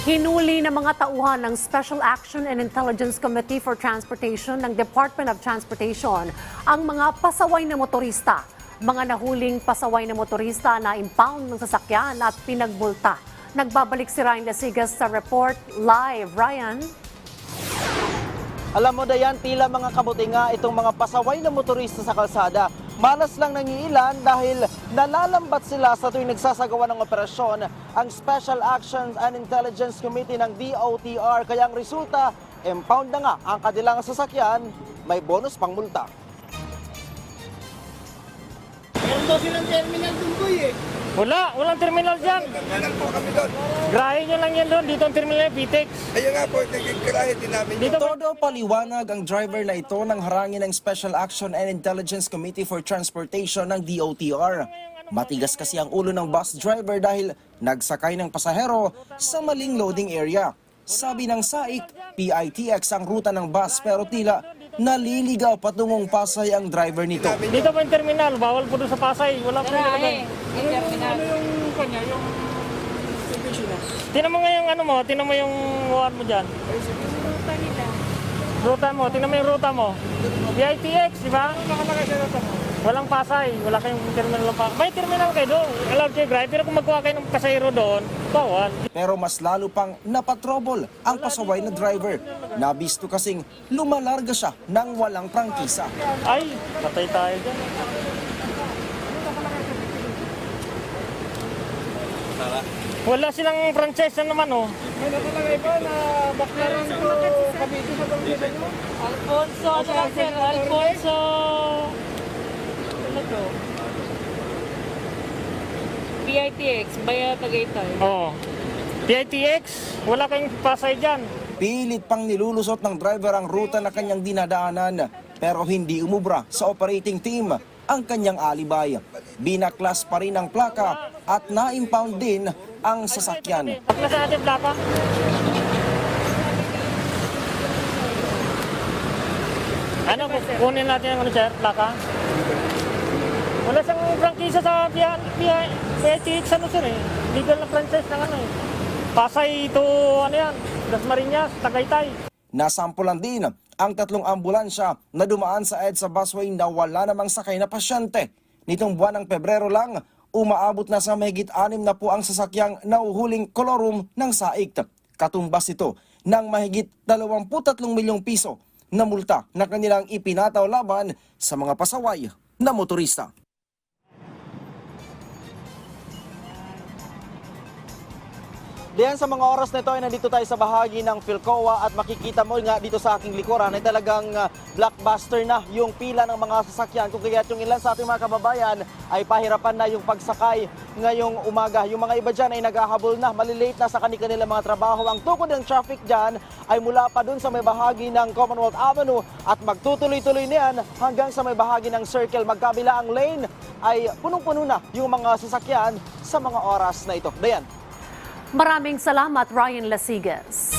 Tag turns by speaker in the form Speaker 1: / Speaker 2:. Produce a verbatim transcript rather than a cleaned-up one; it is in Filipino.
Speaker 1: Hinuli ng mga tauhan ng Special Action and Intelligence Committee for Transportation ng Department of Transportation ang mga pasaway na motorista. Mga nahuling pasaway na motorista na impound ng sasakyan at pinagbulta. Nagbabalik si Ryan Lasigas sa report live. Ryan?
Speaker 2: Alam mo, Dayan, tila mga kabuti nga itong mga pasaway na motorista sa kalsada. Malas lang nangiilan dahil nalalambat sila sa tuwing nagsasagawa ng operasyon ang Special Actions and Intelligence Committee ng D O T R. Kaya ang resulta, impound na nga ang kanilang sasakyan, may bonus pang multa.
Speaker 3: Meron daw silang terminal dun, Boy, eh.
Speaker 4: Wala, walang terminal dyan.
Speaker 3: Terminal po kami doon.
Speaker 4: Grahe nyo lang yan doon, dito ang terminal ng Pitex.
Speaker 3: Ayun nga po, nagkikirahe din namin yun.
Speaker 2: Todo paliwanag ang driver na ito ng harangin ng Special Action and Intelligence Committee for Transportation ng D O T R. Matigas kasi ang ulo ng bus driver dahil nagsakay ng pasahero sa maling loading area. Sabi ng S A I C, P I T X ang ruta ng bus pero tila naliligaw patungong Pasay ang driver nito.
Speaker 4: Dito po yung terminal, bawal po doon sa Pasay. Wala po dito doon.
Speaker 5: Ano
Speaker 4: yung kanya, yung tinan mo nga yung ano mo, tinan mo yung uwan mo dyan.
Speaker 5: Ruta nila.
Speaker 4: Ruta mo, tinan mo yung ruta mo. P I T X, di ba? Nakalagay sa ruta mo. Walang Pasay, wala kayong terminal ng Pasay. May terminal kayo doon, allowed kayo drive, pero kung magkuha kayo ng pasahero doon, bawal.
Speaker 2: Pero mas lalo pang napatrobol ang pasaway na driver. Nabisto kasing lumalarga siya ng walang prangkisa.
Speaker 4: Ay, patay tayo dyan. Wala silang franchise na naman, oh. May nakalagay ba na baklaran ko Cavite sa pangkita nyo?
Speaker 5: Alfonso, ano lang sir? Alfonso. Ano to? P I T X, Baya Tagaytay.
Speaker 4: Oo. P I T X, wala kayong Pasay dyan.
Speaker 2: Pilit pang nilulusot ng driver ang ruta na kanyang dinadaanan pero hindi umubra sa operating team ang kanyang alibay. Binaklas pa rin ang plaka at na-impound din ang sasakyan.
Speaker 4: Bakla sa ating plaka. Ano, kunin natin ang ano, sir, plaka? Wala siyang prangkisa sa P I T X, ano sir eh. Legal na franchise ng ano eh. Pasay to, ano yan, Dasmariñas, Tagaytay.
Speaker 2: Nasampulan din ang tatlong ambulansya na dumaan sa EDSA busway na wala namang sakay na pasyente. Nitong buwan ng Pebrero lang, umaabot na sa mahigit anim na po ang sasakyang nauhuling kolorum ng S A I C. Katumbas ito ng mahigit dalawampu't tatlong milyong piso na multa na kanilang ipinataw laban sa mga pasaway na motorista. Diyan sa mga oras na ito ay nandito tayo sa bahagi ng Philcoa at makikita mo nga dito sa aking likuran ay talagang uh, blockbuster na yung pila ng mga sasakyan. Kung kaya't yung ilan sa ating mga kababayan ay pahirapan na yung pagsakay ngayong umaga. Yung mga iba dyan ay naghahabol na, malilate na sa kanilang mga trabaho. Ang tukod ng traffic dyan ay mula pa dun sa may bahagi ng Commonwealth Avenue at magtutuloy-tuloy na yan hanggang sa may bahagi ng Circle. Magkabila ang lane ay punong-puno na yung mga sasakyan sa mga oras na ito. Dayan.
Speaker 1: Maraming salamat, Ryan Lasigas.